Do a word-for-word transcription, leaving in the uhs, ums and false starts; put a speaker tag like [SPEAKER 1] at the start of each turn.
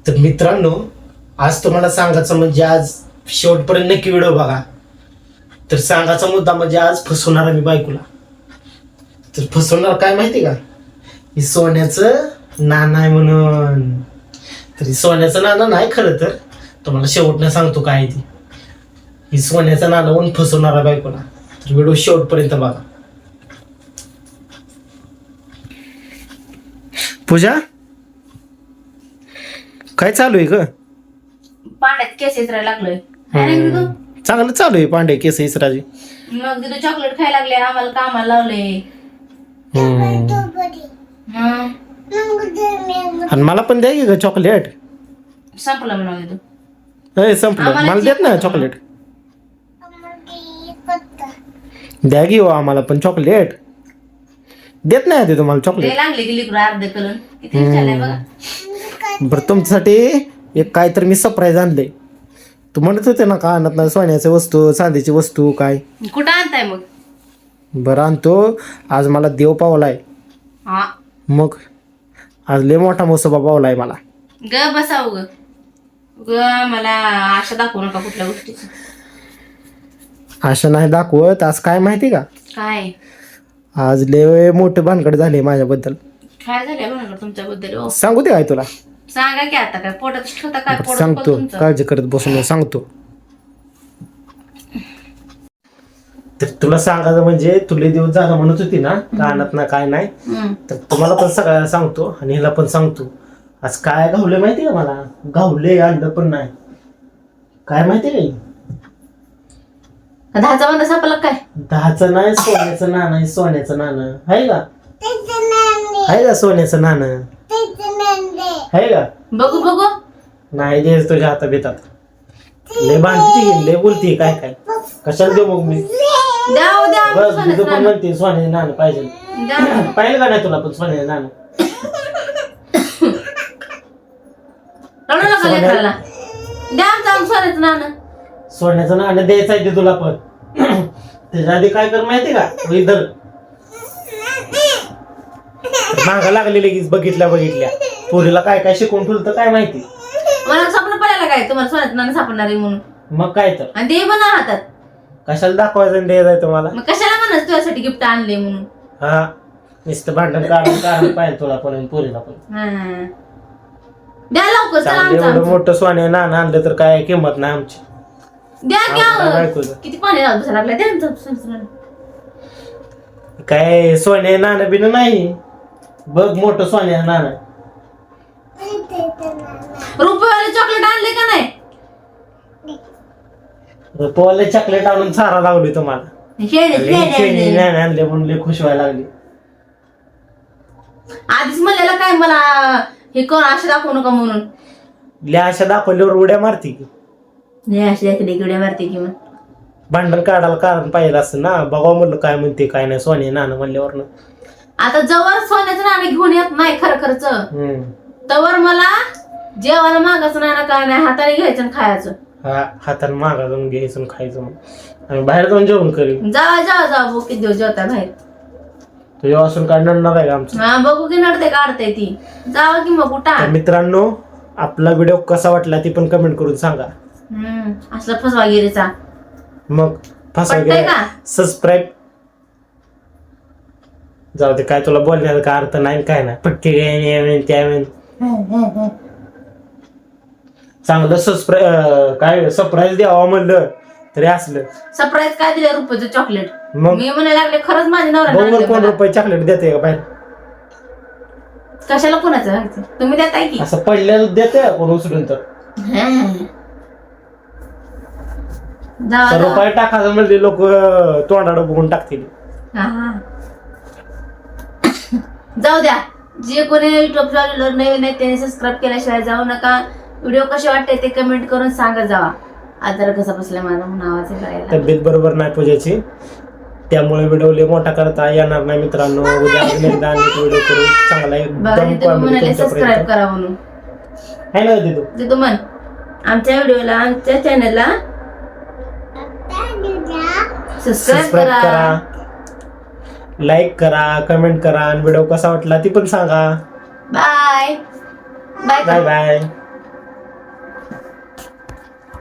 [SPEAKER 1] तर मित्रांनो, आज तुम्हाला सांगायचं म्हणजे आज शेवटपर्यंत नक्की व्हिडिओ बघा. तर सांगायचा मुद्दा म्हणजे आज फसवणार आहे मी बायकोला. तर फसवणार काय माहिती का, ही सोन्याचं नाणं आहे म्हणून. तर ही सोन्याचं नाणं नाही खरं, तर तुम्हाला शेवटनं सांगतो काय ती. ही सोन्याचं नाणं म्हणून फसवणार आहे बायकोला. तर व्हिडिओ शेवटपर्यंत बघा. पूजा, काय चालू आहे ग?
[SPEAKER 2] पाण्यात केस इसरायला लागलोय. काय नाही
[SPEAKER 1] हम्म.
[SPEAKER 2] तू
[SPEAKER 1] चांगलं चालू आहे पांडे केस इसराजी.
[SPEAKER 2] मग तिथं चॉकलेट खायला लागले, आम्हाला कामाला लावले.
[SPEAKER 1] हम्म.
[SPEAKER 2] हं.
[SPEAKER 1] आणि मला पण द्या की ग चॉकलेट.
[SPEAKER 2] संपलं म्हणून तू
[SPEAKER 1] ए संपलं,
[SPEAKER 2] आम्हाला
[SPEAKER 1] मला देत ना चॉकलेट. द्या की हो आम्हाला पण चॉकलेट. देत नाही ते तुम्हाला चॉकलेट.
[SPEAKER 2] ते लागले की लिकूड अर्ध करून किती विचारलंय बघा.
[SPEAKER 1] बरं, तुमच्यासाठी एक काय तर मी सरप्राईज आणले. तू म्हणत होते ना का आणत नाही सोन्याची वस्तू चांदीची वस्तू काय.
[SPEAKER 2] कुठं आणताय मग?
[SPEAKER 1] बरं आणतो. आज मला देव पावलाय.
[SPEAKER 2] हा
[SPEAKER 1] मग आज लय मोठा मोसोबा पावलाय मला.
[SPEAKER 2] ग बसाव ग ग मला आशा दाखवू नका कुठल्या गोष्टीची.
[SPEAKER 1] असं नाही दाखवत. आज काय माहिती का,
[SPEAKER 2] काय
[SPEAKER 1] आज लय मोठे भानगड झाले माझ्याबद्दल.
[SPEAKER 2] काय झालंय म्हणा तुमच्याबद्दल? ओ
[SPEAKER 1] सांगू दे काय तुला?
[SPEAKER 2] सांगा की आता. काय पोटात ठेवता काय?
[SPEAKER 1] बरं,
[SPEAKER 2] पोटात
[SPEAKER 1] सांगतो.
[SPEAKER 2] तुमचं
[SPEAKER 1] काळजी करत बसून सांगतो. तर तुला सांगायचं म्हणजे तुला दिवस झाला म्हणत होती ना कानात ना काय नाही.
[SPEAKER 2] हं.
[SPEAKER 1] तर तुम्हाला पण सगळ्याला सांगतो आणि हिला पण सांगतो. आज काय घावले माहिती का मला? घावले आणलं पण नाही. काय माहिती नाही.
[SPEAKER 2] दहाचा बंद सापला काय?
[SPEAKER 1] दहाचं नाही, सोन्याचं नाणं आहे. सोन्याचं नाणं आहे का? आहे का सोन्याचं नाणं? आहे का?
[SPEAKER 2] बघू बघू.
[SPEAKER 1] नाही दे तुझ्या हाता बेतात. लय भांडती लय बोलती काय काय. कशाला देऊ मग मी?
[SPEAKER 2] द्या हो, द्या
[SPEAKER 1] बस
[SPEAKER 2] सोन्याचं
[SPEAKER 1] तुझं पण
[SPEAKER 2] नाणं.
[SPEAKER 1] म्हणते सोन्याचं नाणं पाहिजे.
[SPEAKER 2] द्या.
[SPEAKER 1] पाहिलं का नाही तुला पण सोन्याचं नाणं?
[SPEAKER 2] रडू नका
[SPEAKER 1] सोन्या-
[SPEAKER 2] लेकराला. द्या आमचं सोन्याचं नाणं.
[SPEAKER 1] सोन्याचं नाणं द्यायचं आहे ते तुला पण. त्याच्या आधी काय कर माहिती का, इधर मागा लागली लगेच बघितल्या बघितल्या. पोरीला काय काय शिकवून ठेवलं काय माहिती.
[SPEAKER 2] मला स्वप्न पडायला काय तुम्हाला सोन्याचं नाणं सापडणार आहे म्हणून.
[SPEAKER 1] मग काय तर
[SPEAKER 2] आणि ते पण हातात.
[SPEAKER 1] कशाला दाखवायचं आणि द्यायचं तुम्हाला?
[SPEAKER 2] मग कशाला म्हणाच तुझ्यासाठी गिफ्ट आणले म्हणून.
[SPEAKER 1] हा नुसतं भांडण काढून काढून पाहिजे तुला पण आणि पोरीला पण.
[SPEAKER 2] हा. द्या लवकर चला
[SPEAKER 1] चांगलं
[SPEAKER 2] आमचं
[SPEAKER 1] एवढं
[SPEAKER 2] आमचं.
[SPEAKER 1] मोठं सोने नाणं आणलं तर काय किंमत नाही आमची.
[SPEAKER 2] द्या
[SPEAKER 1] आम्हाला काय
[SPEAKER 2] घ्या.
[SPEAKER 1] ऐकू दे.
[SPEAKER 2] किती पाणी लावत बसायला लागलं. द्या आमचं सोन्याचं नाणं.
[SPEAKER 1] काय सोने नाणं बिन नाही. बघ मोठं सोन्या नाणं.
[SPEAKER 2] रुपयावाले चॉकलेट आणले का नाही?
[SPEAKER 1] पोवाले चॉकलेट आणून सारा लावली तुम्हाला.
[SPEAKER 2] हे दे, हे दे, हे दे.
[SPEAKER 1] नाणं आणले म्हणून लय खुश व्हायला लागली.
[SPEAKER 2] आधीच म्हणलेलं काय मला हे कर असे दाखवू नका म्हणून.
[SPEAKER 1] लय अशा दाखवल्यावर उड्या मारती की.
[SPEAKER 2] हे असे देखील इकडे मारते की मग.
[SPEAKER 1] भांडण काढायला कारण पाहिजे असं ना. बघावं म्हणलं काय म्हणते काय नाही सोने नाणं म्हणल्यावर.
[SPEAKER 2] आता जवळ सोन्याचं नाणं घेऊन येत नाही खरं खरंच,
[SPEAKER 1] हम्म
[SPEAKER 2] तवर मला जेवायला मागायचं नाही ना काय नाही, हाताने घ्यायचं आणि खायचं.
[SPEAKER 1] हा हाताने मागा जाऊन घ्यायचं आणि खायचं. मग आम्ही बाहेर जाऊन जेवण करीन.
[SPEAKER 2] जावा जावा जावा बघू किती दिवस जेवता बाहेर.
[SPEAKER 1] तुझ्या वासून काय नडणार आहे का आमचं?
[SPEAKER 2] हा बघू की नडते काढते ती. जावा की मग कुठं.
[SPEAKER 1] तर मित्रांनो, आपला व्हिडिओ कसा वाटला ती पण कमेंट करून सांगा.
[SPEAKER 2] हम्म असला फसवागिरीचा.
[SPEAKER 1] मग फसा
[SPEAKER 2] पटतंय का?
[SPEAKER 1] सबस्क्राईब. जाऊ दे, काय तुला बोलण्याचा काय अर्थ नाही काय नाही. पटके त्यावेळी चांगलं सबस्क्राईब काय सरप्राईज द्यावं म्हणलं तरी असलं.
[SPEAKER 2] सरप्राईज काय दिलं? रुपयाचं चॉकलेट.
[SPEAKER 1] मग
[SPEAKER 2] मी म्हणायला लागले खरंच माझ्या
[SPEAKER 1] बघ
[SPEAKER 2] नवरा
[SPEAKER 1] कोण रुपये चॉकलेट देते का बाहेर?
[SPEAKER 2] कशाला कोणाचं घ्यायचं? तुम्ही देताय की.
[SPEAKER 1] असं पडलेलं देते कोण उचलून तर.
[SPEAKER 2] जावा
[SPEAKER 1] तर
[SPEAKER 2] जावा.
[SPEAKER 1] रुपये टाकायचं म्हणजे लोक तोंडाडं बघून टाकतील.
[SPEAKER 2] हा. जाऊ द्या. जे कोणी युट्यूब चॅनलवर नवीन आहे त्याने सबस्क्राईब केल्याशिवाय जाऊ नका. व्हिडिओ कसे वाटते ते कमेंट करून सांगत जावा. आजार कसा बसला माझा म्हणून आवाज करायला.
[SPEAKER 1] तब्येत बरोबर नाही पूजाची, त्यामुळे व्हिडिओ लय मोठा करता येणार नाही मित्रांनो. उद्या अजून एकदा व्हिडिओ करू चांगला
[SPEAKER 2] बघा
[SPEAKER 1] एकदम
[SPEAKER 2] तिथे म्हणाले सबस्क्राईब
[SPEAKER 1] तुमच्यापर्यंत
[SPEAKER 2] करा म्हणून.
[SPEAKER 1] आहे ना तिथं.
[SPEAKER 2] तिथं म्हण आमच्या व्हिडिओला आमच्या चॅनलला सबस्क्राईब
[SPEAKER 1] सबस्क्राईब
[SPEAKER 2] करा.
[SPEAKER 1] करा, लाईक करा, कमेंट करा आणि व्हिडिओ कसा वाटला ती पण सांगा.
[SPEAKER 2] Bye bye
[SPEAKER 1] bye bye.